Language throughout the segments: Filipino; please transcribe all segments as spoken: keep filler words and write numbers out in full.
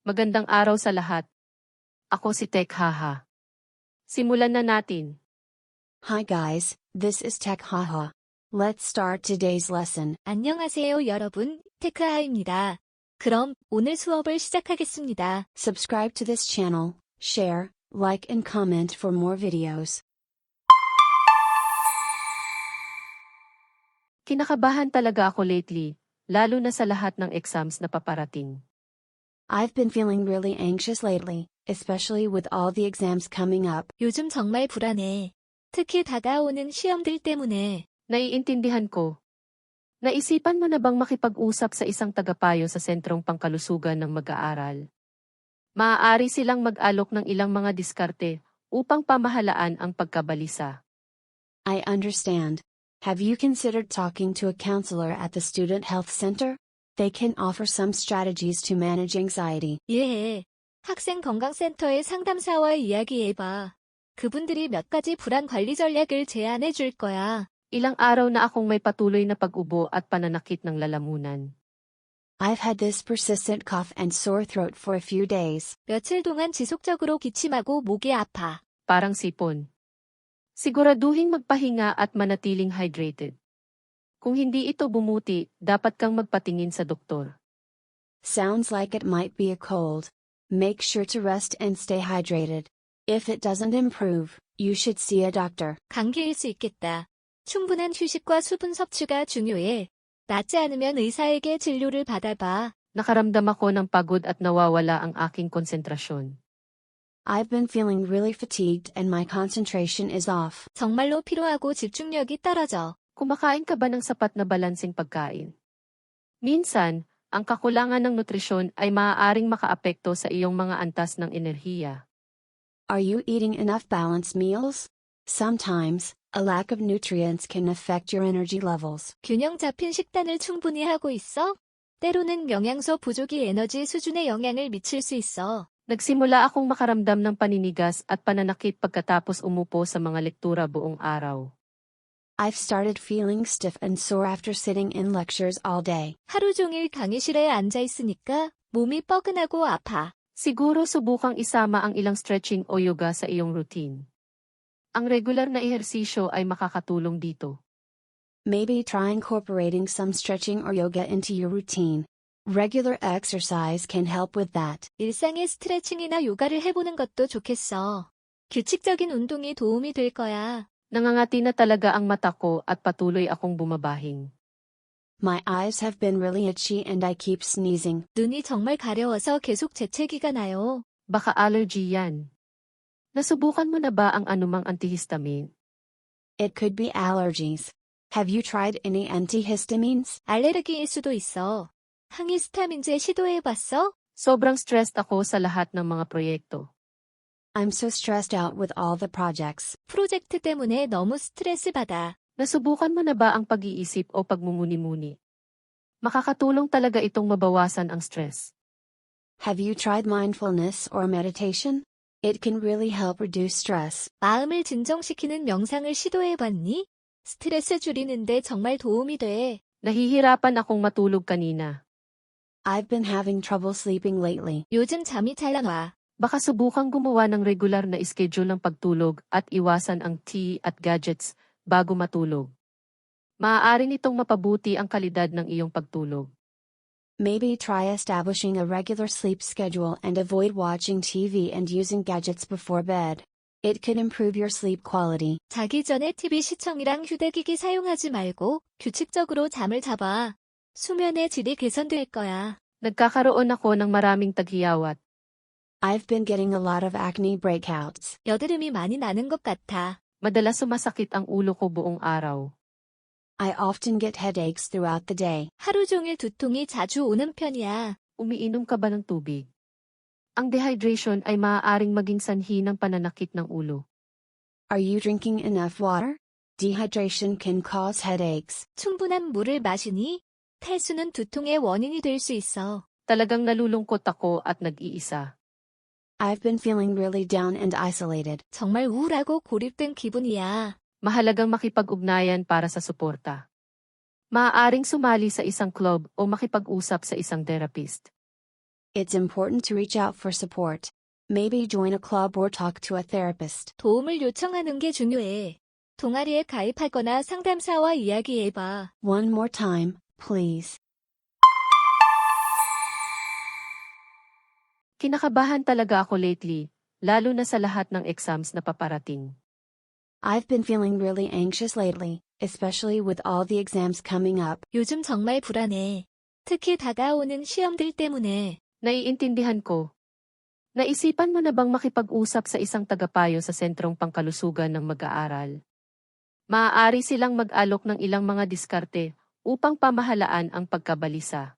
Magandang araw sa lahat. Ako si Tech Haha. Simulan na natin. Hi guys, this is Tech Haha. Let's start today's lesson. 안녕하세요 여러분, 테크하입니다. 그럼 오늘 수업을 시작하겠습니다. Subscribe to this channel, share, like and comment for more videos. Kinakabahan talaga ako lately, lalo na sa lahat ng exams na paparating. I've been feeling really anxious lately, especially with all the exams coming up. 요즘 정말 불안해. 특히 다가오는 시험들 때문에. Naiintindihan ko. Naisipan mo na bang makipag-usap sa isang tagapayo sa sentrong pangkalusugan ng mag-aaral? Maaari silang mag-alok ng ilang mga diskarte upang pamahalaan ang pagkabalisa. I understand. Have you considered talking to a counselor at the Student Health Center? They can offer some strategies to manage anxiety. 이해해. 학생 건강센터의 상담사와 이야기해봐. 그분들이 몇 가지 불안 관리 전략을 제안해 줄 거야. Ilang araw na akong may patuloy na pag-ubo at pananakit ng lalamunan. I've had this persistent cough and sore throat for a few days. 며칠 동안 지속적으로 기침하고 목이 아파. Parang sipon. Siguraduhin magpahinga at manatiling hydrated. Kung hindi ito bumuti, dapat kang magpatingin sa doktor. Sounds like it might be a cold. Make sure to rest and stay hydrated. If it doesn't improve, you should see a doctor. 감기일 수 있겠다. 충분한 휴식과 수분 섭취가 중요해. 낫지 않으면 의사에게 진료를 받아봐. Nakaramdam ako ng pagod at nawawala ang aking konsentrasyon. I've been feeling really fatigued and my concentration is off. 정말로 피로하고 집중력이 떨어져. Kumakain ka ba ng sapat na balanseng pagkain? Minsan, ang kakulangan ng nutrisyon ay maaaring makaapekto sa iyong mga antas ng enerhiya. Are you eating enough balanced meals? Sometimes, a lack of nutrients can affect your energy levels. 균형 잡힌 식단을 충분히 하고 있어? 때로는 영양소 부족이 에너지 수준에 영향을 미칠 수 있어. Nagsimula akong makaramdam ng paninigas at pananakit pagkatapos umupo sa mga lektura buong araw. I've started feeling stiff and sore after sitting in lectures all day. 하루 종일 강의실에 앉아 있으니까 몸이 뻐근하고 아파. Siguro subukang isama ang ilang stretching o yoga sa iyong routine. Ang regular na ehersisyo ay makakatulong dito. Maybe try incorporating some stretching or yoga into your routine. Regular exercise can help with that. 일상의 스트레칭이나 요가를 해보는 것도 좋겠어. 규칙적인 운동이 도움이 될 거야. Nangangati na talaga ang mata ko at patuloy akong bumabahing. My eyes have been really itchy and I keep sneezing. 눈이 정말 가려워서 계속 재채기가 나요. Baka allergy yan. Nasubukan mo na ba ang anumang antihistamine? It could be allergies. Have you tried any antihistamines? 알레르기일 수도 있어. 항히스타민제 시도해봤어? Sobrang stressed ako sa lahat ng mga proyekto. I'm so stressed out with all the projects. 프로젝트 때문에 너무 스트레스 받아. Nasubukan mo na ba ang pag-iisip o pagmumuni-muni? Makakatulong talaga itong mabawasan ang stress. Have you tried mindfulness or meditation? It can really help reduce stress. 마음을 진정시키는 명상을 시도해봤니? 스트레스 줄이는데 정말 도움이 돼. Nahihirapan akong matulog kanina. I've been having trouble sleeping lately. 요즘 잠이 잘 안 와. Baka subukang gumawa ng regular na schedule ng pagtulog at iwasan ang tea at gadgets bago matulog. Maaari nitong mapabuti ang kalidad ng iyong pagtulog. Maybe try establishing a regular sleep schedule and avoid watching T V and using gadgets before bed. It could improve your sleep quality. 자기 전에 티비 시청이랑 휴대기기 사용하지 말고 규칙적으로 잠을 잡아. 수면의 질이 개선될 거야. Nagkakaroon ako ng maraming taghiyawat. I've been getting a lot of acne breakouts. 여드름이 많이 나는 것 같아. Madalas sumasakit ang ulo ko buong araw. I often get headaches throughout the day. 하루 종일 두통이 자주 오는 편이야. Umiinom ka ba ng tubig? Ang dehydration ay maaaring maging sanhi ng pananakit ng ulo. Are you drinking enough water? Dehydration can cause headaches. 충분한 물을 마시니? 탈수는 두통의 원인이 될 수 있어. Talagang nalulungkot ako at nag-iisa. I've been feeling really down and isolated. 정말 우울하고 고립된 기분이야. Mahalagang makipag-ugnayan para sa suporta. Maaaring sumali sa isang club o makipag-usap sa isang therapist. It's important to reach out for support. Maybe join a club or talk to a therapist. 도움을 요청하는 게 중요해. 동아리에 가입하거나 상담사와 이야기해봐. One more time, please. Kinakabahan talaga ako lately, lalo na sa lahat ng exams na paparating. I've been feeling really anxious lately, especially with all the exams coming up. 요즘 정말 불안해. 특히 다가오는 시험들 때문에. Naiintindihan ko. Naisipan mo na bang makipag-usap sa isang tagapayo sa sentrong pangkalusugan ng mag-aaral? Maaari silang mag-alok ng ilang mga diskarte upang pamahalaan ang pagkabalisa.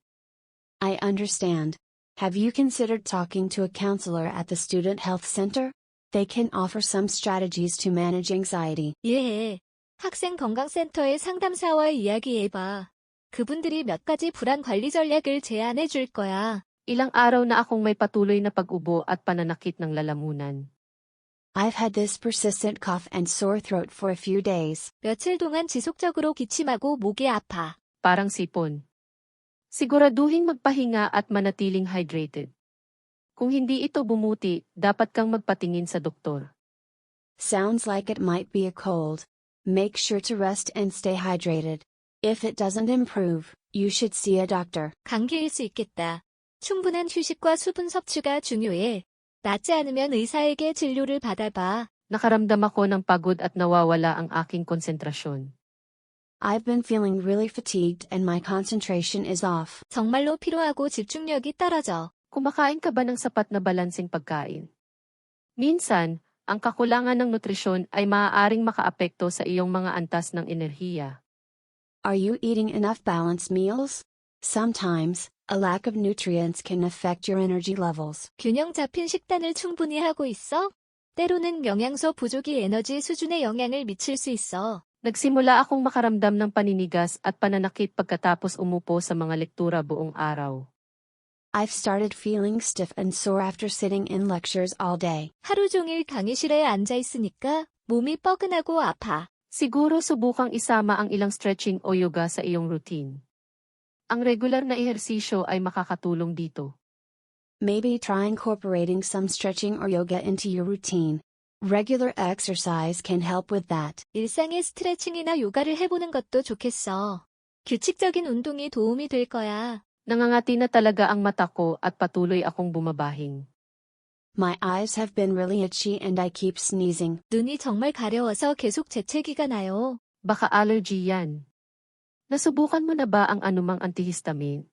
I understand. Have you considered talking to a counselor at the Student Health Center? They can offer some strategies to manage anxiety. 이해해. 학생 건강센터의 상담사와 이야기해봐. 그분들이 몇 가지 불안 관리 전략을 제안해 줄 거야. Ilang araw na akong may patuloy na pag-ubo at pananakit ng lalamunan. I've had this persistent cough and sore throat for a few days. 며칠 동안 지속적으로 기침하고 목이 아파. Parang sipon. Siguraduhin magpahinga at manatiling hydrated. Kung hindi ito bumuti, dapat kang magpatingin sa doktor. Sounds like it might be a cold. Make sure to rest and stay hydrated. If it doesn't improve, you should see a doctor. 감기일 수 있겠다. 충분한 휴식과 수분 섭취가 중요해. 낫지 않으면 의사에게 진료를 받아봐. Nakaramdam ako ng pagod at nawawala ang aking konsentrasyon. I've been feeling really fatigued and my concentration is off. 정말로 피로하고 집중력이 떨어져. Kumakain ka ba ng sapat na balanseng pagkain? Minsan, ang kakulangan ng nutrisyon ay maaaring makaapekto sa iyong mga antas ng enerhiya. Are you eating enough balanced meals? Sometimes, a lack of nutrients can affect your energy levels. 균형 잡힌 식단을 충분히 하고 있어? 때로는 영양소 부족이 에너지 수준에 영향을 미칠 수 있어. Nagsimula akong makaramdam ng paninigas at pananakit pagkatapos umupo sa mga lektura buong araw. I've started feeling stiff and sore after sitting in lectures all day. 하루 종일 강의실에 앉아 있으니까 몸이 뻐근하고 아파. Siguro subukang isama ang ilang stretching o yoga sa iyong routine. Ang regular na ehersisyo ay makakatulong dito. Maybe try incorporating some stretching or yoga into your routine. Regular exercise can help with that. 일상의 스트레칭이나 요가를 해보는 것도 좋겠어. 규칙적인 운동이 도움이 될 거야. Nangangati na talaga ang mata ko at patuloy akong bumabahing. My eyes have been really itchy and I keep sneezing. 눈이 정말 가려워서 계속 재채기가 나요. Baka allergy yan. Nasubukan mo na ba ang anumang antihistamine?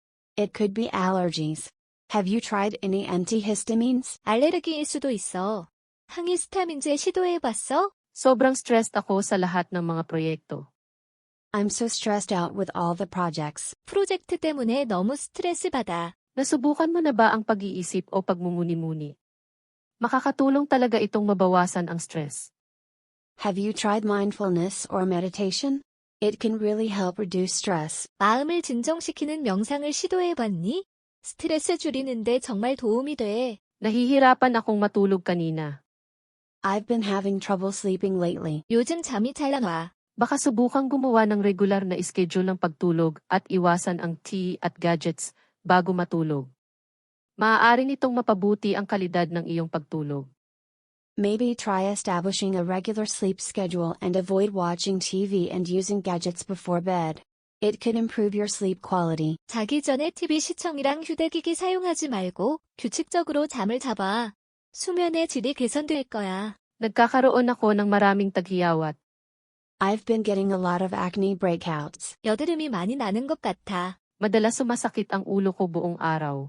It could be allergies. Have you tried any antihistamines? 알레르기일 수도 있어. 항히스타민제 시도해봤어? Sobrang stressed ako sa lahat ng mga proyekto. I'm so stressed out with all the projects. 프로젝트 때문에 너무 스트레스 받아. Nasubukan mo na ba ang pag-iisip o pagmumuni-muni? Makakatulong talaga itong mabawasan ang stress. Have you tried mindfulness or meditation? It can really help reduce stress. 마음을 진정시키는 명상을 시도해봤니? 스트레스 줄이는데 정말 도움이 돼. Nahihirapan akong matulog kanina. I've been having trouble sleeping lately. 요즘 잠이 잘 안 와. Baka subukang gumawa ng regular na schedule ng pagtulog at iwasan ang tea at gadgets bago matulog. Maaari nitong mapabuti ang kalidad ng iyong pagtulog. Maybe try establishing a regular sleep schedule and avoid watching T V and using gadgets before bed. It could improve your sleep quality. 자기 전에 티비 시청이랑 휴대기기 사용하지 말고 규칙적으로 잠을 잡아. 수면의 질이 개선될 거야. Nagkakaroon ako ng maraming taghiyawat. I've been getting a lot of acne breakouts. 여드름이 많이 나는 것 같아. Madalas sumasakit ang ulo ko buong araw.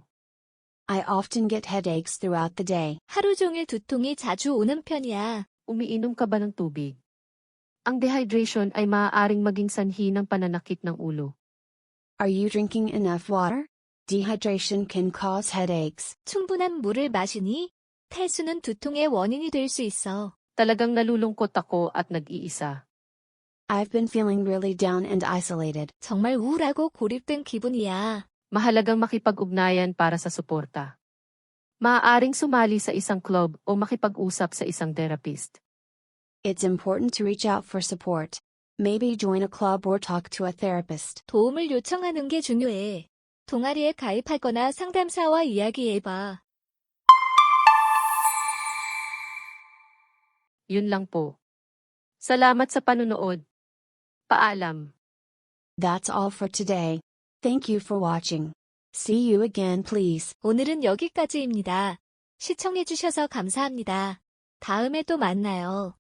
I often get headaches throughout the day. 하루 종일 두통이 자주 오는 편이야. Umiinom ka ba ng tubig? Ang dehydration ay maaaring maging sanhi ng pananakit ng ulo. Are you drinking enough water? Dehydration can cause headaches. 충분한 물을 마시니? 탈수는 두통의 원인이 될 수 있어. Talagang nalulungkot ako at nag-iisa. I've been feeling really down and isolated. 정말 우울하고 고립된 기분이야. Mahalagang makipag-ugnayan para sa suporta. Maaaring sumali sa isang club o makipag-usap sa isang therapist. It's important to reach out for support. Maybe join a club or talk to a therapist. 도움을 요청하는 게 중요해. 동아리에 가입하거나 상담사와 이야기해봐. Yun lang po. Salamat sa panunood. Paalam. That's all for today. Thank you for watching. See you again, please. 오늘은 여기까지입니다. 시청해주셔서 감사합니다. 다음에 또 만나요.